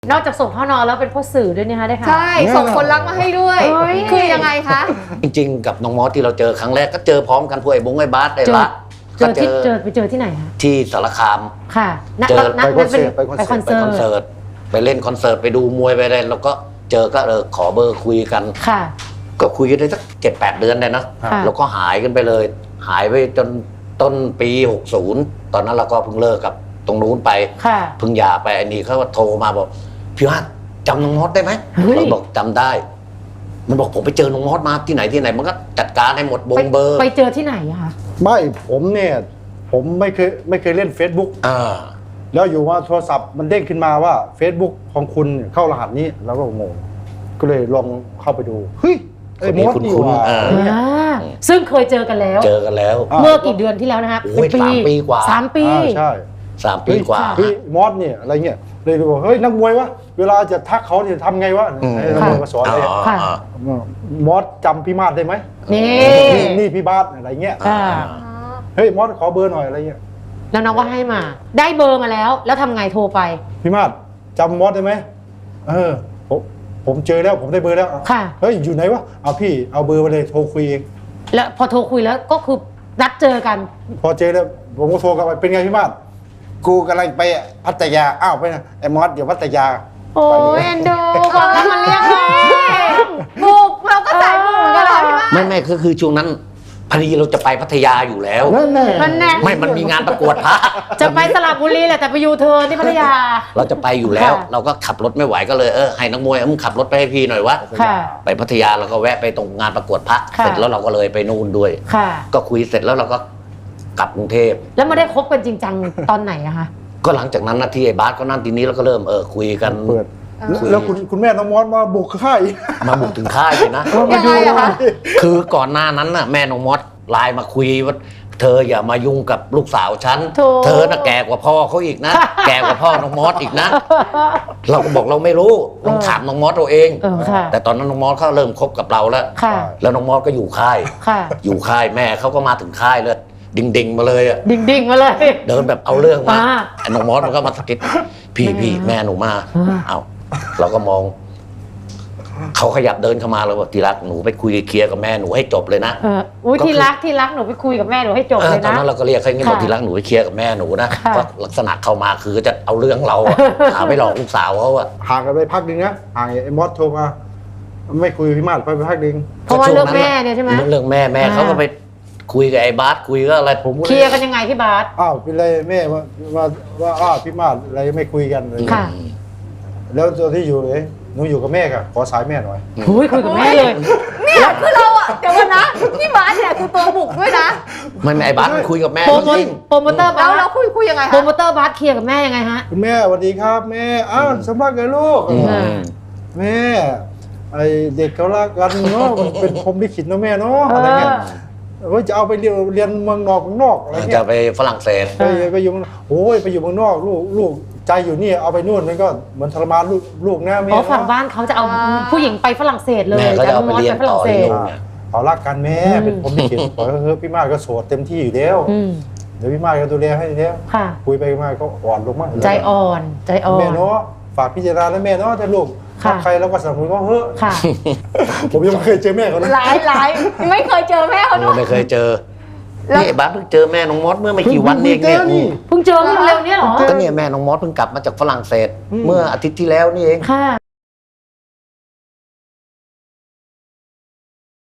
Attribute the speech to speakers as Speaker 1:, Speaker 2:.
Speaker 1: นอกจากส่งพ่อนอนแล้วเป็นพ่อสื่อด้วยนะคะได้ค่ะ
Speaker 2: ใช่ส่งคนรักมาให้ด้วยคือยังไงคะ
Speaker 3: จริงๆกับน้องมอสที่เราเจอครั้งแรกก็เจอพร้อมกันพวกไอ้บงไอ้บาสไอ้ละ
Speaker 1: ไปเจอที่ไหนคะ
Speaker 3: ที่สารคาม
Speaker 1: ค่ะ
Speaker 3: เจอ
Speaker 1: ไปคอนเสิร์ต
Speaker 3: ไปเล่นคอนเสิร์ตไปดูมวยไปอะไรแล้วก็เจอก็ขอเบอร์คุยกัน
Speaker 1: ค่ะ
Speaker 3: ก็คุยกันได้สัก7-8 เดือนเลยนะแล้วก็หายกันไปเลยหายไปจนต้นปี60ตอนนั้นเราก็เพิ่งเลิกกับตรงนู้นไปเพิ่งหย่าไปอันนี้เขาโทรมาบอกพี่ว่าจำน้องมอสได้ไหมเราบอกจำได้มันบอกผมไปเจอน้องมอสมาที่ไหนมันก็จัดการให้หมดบงเบอร์
Speaker 1: ไปเจอที่ไหนอะคะ
Speaker 4: ไม่ผมเนี่ยผมไม่เคยเล่น Facebook แล้วอยู่ว่าโทรศัพท์มันเด้งขึ้นมาว่า Facebook ของคุณเข้ารหัสนี้แล้วก็งงก็เลยลองเข้าไปดูเฮ้ยไอ้มอสนี่ว่า
Speaker 1: ซึ่งเคยเจอกันแล้วเมื่อกี่เดือนที่แล้วนะฮะ
Speaker 3: 3 ปีกว่า
Speaker 1: 3 ปี
Speaker 4: ใช่
Speaker 3: 3 ปีกว่า
Speaker 4: เฮ้ยมอสเนี่ยอะไรเงี้ยเลยบอกเฮ้ยนักมวยวะเวลาจะทักเขาเนี่ยทำไงวะนักมวยมาสอนเลยมอสจำพี่มาศได้ไหมนี่พี่บาสอะไรเงี้ยเฮ้ยมอสขอเบอร์หน่อยอะไรเงี้ย
Speaker 1: แล้วน้องก็ให้มาได้เบอร์มาแล้วทำไงโทรไป
Speaker 4: พี่มาศจำมอสได้ไหมผมเจอแล้วผมได้เบอร์แล้วเฮ้ยอยู่ไหนวะเอาพี่เอาเบอร์มาเลยโทรคุยเอง
Speaker 1: แล้วพอโทรคุยแล้วก็คือนัดเจอกัน
Speaker 4: พอเจอแล้วผมก็โทรกลับไปเป็นไงพี่มาศกูกำลังไปพัทยาอ้าวไปนะไอ้มอสอยู่พัทยา
Speaker 1: โอ้ยเอ็นดูบอกแล้วมันเรียก
Speaker 2: บุกเราก็สายบุกเหมือนกันเหรอพี่ว่า
Speaker 3: ไม่คือช่วงนั้นพอดีเราจะไปพัทยาอยู่แล้วมันมีงานประกวดพระ
Speaker 1: จะไปสระบุรีแหละแต่ไปยูเทิร์นที่พัทยา
Speaker 3: เราจะไปอยู่แล้วเราก็ขับรถไม่ไหวก็เลยให้นักมวยมึงขับรถไปให้พี่หน่อยวะไปพัทยาเราก็แวะไปตรงงานประกวดพระเสร็จแล้วเราก็เลยไปนู่นด้วยก็คุยเสร็จแล้วเราก็กลับกรุงเทพ
Speaker 1: แล้วมาได้คบกันจริงจังตอนไหนอะคะ
Speaker 3: ก็หลังจากนั้นนะที่ไอ้บาสก็นั่นทีนี้เราก็เริ่มคุยกัน
Speaker 4: แล้วคุณแม่น้องมอสมาบุกค่าย
Speaker 3: มาบุกถึงค่ายเลยนะ
Speaker 2: ยังไงอะคะ
Speaker 3: คือก่อนหน้านั้นน่ะแม่น้องมอสไลน์มาคุยว่าเธออย่ามายุ่งกับลูกสาวฉันเธอน่ะแก่กว่าพ่อเขาอีกนะแก่กว่าพ่อน้องมอสอีกนะเราก็บอกเราไม่รู้ต้องถามน้องมอสเราเองแต่ตอนนั้นน้องมอสเขาเริ่มคบกับเราแล้วน้องมอสก็อยู่ค่ายแม่เขาก็มาถึงค่ายเลยดิ่งมาเลยอ่ะ
Speaker 1: ดิ่งมาเลย
Speaker 3: เดินแบบเอาเรื่องมาน้องมอสมันก็มาสะกิดพี่แม่หนูมาเอาเราก็มองเขาขยับเดินเข้ามาเราบอกทีรักหนูไปคุยเคลียร์กับแม่หนูให้จบเลยนะ
Speaker 1: ทีรักหนูไปคุยกับแม่หนูให้จบเลยนะ
Speaker 3: ตอนนั้นเราก็เรียกแค่นี้บอกทีรักหนูไปเคลียร์กับแม่หนูนะว่าลักษณะเข้ามาคือจะเอาเรื่องเราหาไม่หลอกลูกสาวเขาอะ
Speaker 4: ห่างกันไปพักนึงนะห่างไอ้มอสโทรมาไม่คุยพี่มาศไปพักนึง
Speaker 1: เพราะว่าเรื่องแม่เนี่ยใช่ไหม
Speaker 3: เรื่องแม่เขาก็ไปคุยกับไอ้บาสคุยก็อะไร
Speaker 1: ผมเคลียร์กันยังไงพี่บาส
Speaker 4: เป็นไรแม่ว่าพี่มาศอะไรไม่คุยกันเลยแล้วตัวที่อยู่เลยหนูอยู่กับแม่ค่ะขอสายแม่หน่อย
Speaker 1: คุยกับแม่เลย
Speaker 2: เนี่ยคือเราอะเดี๋ยวก่อนนะพี่บาสเนี่ยคือตัวบุกด้วยนะ
Speaker 3: มันไอ้บาสคุยกับแม่จริง
Speaker 1: โปรโมเตอร์บาส
Speaker 2: เราคุยยังไงคะ
Speaker 1: โปรโมเตอร์บาสเคลียร์กับแม่ยังไงฮะ
Speaker 4: คุณแม่สวัสดีครับแม่สำลักไงลูกแม่ไอเด็กเขารักกันเนาะมันเป็นพรหมลิขิตเนาะแม่เนาะอะไรเงี้ยว่าจะเอาไปเรียนเมืองนอกอะไรเงี้ย
Speaker 3: จะไปฝรั่งเศส
Speaker 4: ไปอยู่โอ้ยไปอยู่เมืองนอกลูกใจอยู่นี่เอาไปนู่นมันก็เหมือนทรมานลูกนะแม่
Speaker 1: ฝั่งบ้านเขาจะเอาผู้หญิงไปฝรั่งเศสเลย
Speaker 3: จะเอาไปเรียนต่อที่นู่น
Speaker 4: เขารักกันแม่เป็นผมลิขิตขอพี่มาศก็โสดเต็มที่อยู่แล้วเดี๋ยวพี่มาศก็ดูแลให้แล้วคุยไปมาก็อ่อนลงมาก
Speaker 1: ใจอ่อน
Speaker 4: แม่เนาะฝากพิจารณาแล้วแม่เนาะถ้าลูกใครแล้วก็สนับสนุนก็เฮ้ยผมยังไม่เคยเจอแม่เขา
Speaker 2: หลายไม่เคยเจอแม่เขา
Speaker 3: ไม่เคยเจอนี่บ้าเพิ่งเจอแม่น้องมอสเมื่อไม่กี่วันเองเนี่ย
Speaker 1: เพิ่งเจอเร็วนี้เหรอ
Speaker 3: ก็เนี่ยแม่น้องมอสเพิ่งกลับมาจากฝรั่งเศสเมื่ออาทิตย์ที่แล้วนี่เอง